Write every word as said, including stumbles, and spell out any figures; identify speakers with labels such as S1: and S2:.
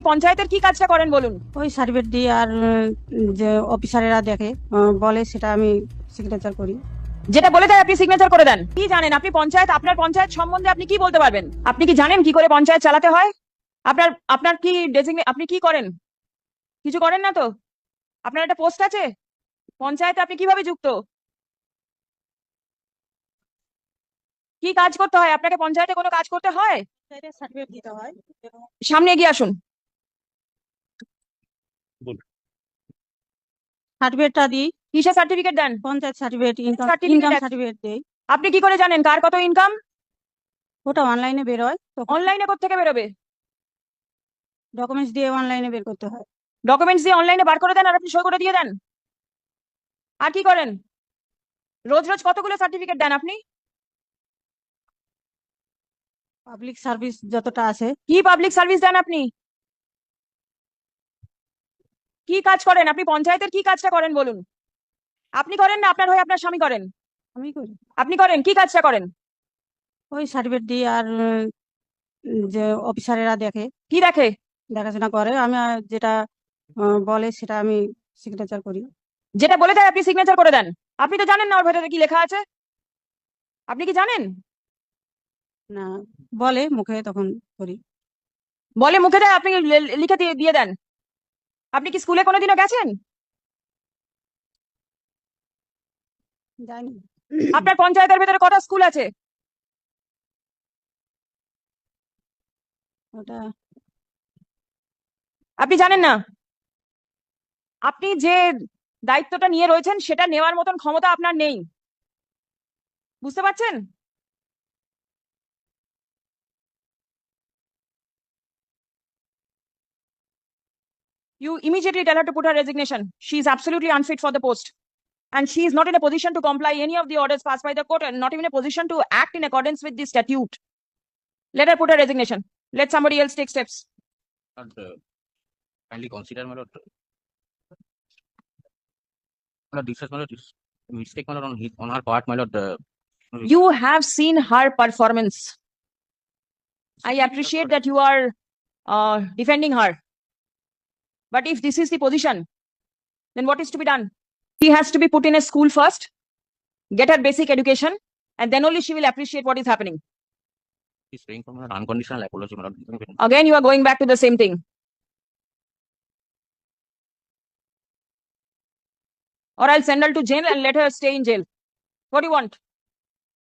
S1: পঞ্চায়েতের কি কাজটা করেন বলুন?
S2: ওই সার্টিফিকেট দিয়ে আর উম, যে অফিসারেরা দেখে আহ, বলে সেটা আমি সিগনেচার করি।
S1: যেটা বলে দেয় আপনি সিগনেচার করে দেন। কি জানেন আপনি পঞ্চায়েত, আপনার পঞ্চায়েত সম্বন্ধে আপনি কি বলতে পারবেন? আপনি কি জানেন কি করে পঞ্চায়েত চালাতে হয়? আপনার আপনার কি ডেজিগনে আপনি কি করেন? কিছু করেন না তো? আপনার একটা পোস্ট আছে পঞ্চায়েতে, আপনি কিভাবে যুক্ত? কি কাজ করতে হয় আপনাকে? পঞ্চায়েতে কোনো কাজ করতে হয়?
S2: সার্টিফিকেট দিতে হয়।
S1: সামনে এগিয়ে আসুন।
S2: সার্টিফিকেটটা দিই,
S1: কিসের সার্টিফিকেট দেন?
S2: Panchayat certificate, income
S1: certificate
S2: income certificate দেই।
S1: আপনি কি করে জানেন কার কত ইনকাম?
S2: ওটা অনলাইনে বের হয়, তখন
S1: অনলাইনে কোত্থেকে বেরোবে?
S2: ডকুমেন্টস দিয়ে অনলাইনে বের করতে হয়।
S1: ডকুমেন্টস দিয়ে অনলাইনে বার করে দেন আর আপনি সই করে দিয়ে দেন। আর কি করেন? রোজ রোজ কতগুলো সার্টিফিকেট দেন আপনি?
S2: পাবলিক সার্ভিস যতটা আছে।
S1: কি পাবলিক সার্ভিস দেন আপনি? কি কাজ করেন আপনি? পঞ্চায়েতের কি কাজটা করেন বলুন? আপনি করেন না আপনার হয়ে আপনার স্বামী করেন?
S2: আমি করি।
S1: আপনি করেন কি কাজটা করেন?
S2: ওই সার্টিফিকেট দিয়ে আর উম, যে অফিসারেরা দেখে,
S1: কি দেখে?
S2: দেখাশোনা করে, আমি আর যেটা আহ, বলে সেটা আমি সিগনেচার করি।
S1: যেটা বলে দেয় আপনি সিগনেচার করে দেন। আপনি তো জানেন না ওর ভেতরে কি লেখা আছে? আপনি কি জানেন?
S2: না, বলে মুখে, তখন করি।
S1: বলে মুখে দেয়, আপনি লে- লিখে দিয়ে দিয়ে দেন। আপনি কি স্কুলে কোনোদিনও গেছেন?
S2: যাইনি।
S1: আপনার পঞ্চায়েতের ভেতরে কটা স্কুল আছে?
S2: ওটা
S1: আপনি জানেন না? আপনি যে দায়িত্বটা নিয়ে রয়েছেন সেটা নেওয়ার মতন ক্ষমতা আপনার নেই, বুঝতে পারছেন? You immediately tell her to put her resignation. She is absolutely unfit for the post. And she is not in a position to comply any of the orders passed by the court and not even a position to act in accordance with the statute. Let her put her resignation. Let somebody else take steps.
S3: Not uh, kindly consider, my lord. My lord, this is, my lord, this mistake, my lord, on his, on her part, my lord. Uh,
S1: You have seen her performance. I appreciate that you are uh, defending her. But if this is the position, then what is to be done? She has to be put in a school first, get her basic education, and then only she will appreciate what is happening.
S3: He's praying for my lord, unconditional apology, my lord.
S1: Again, you are going back to the same thing. Or I'll send her to jail and let her stay in jail. What do you want?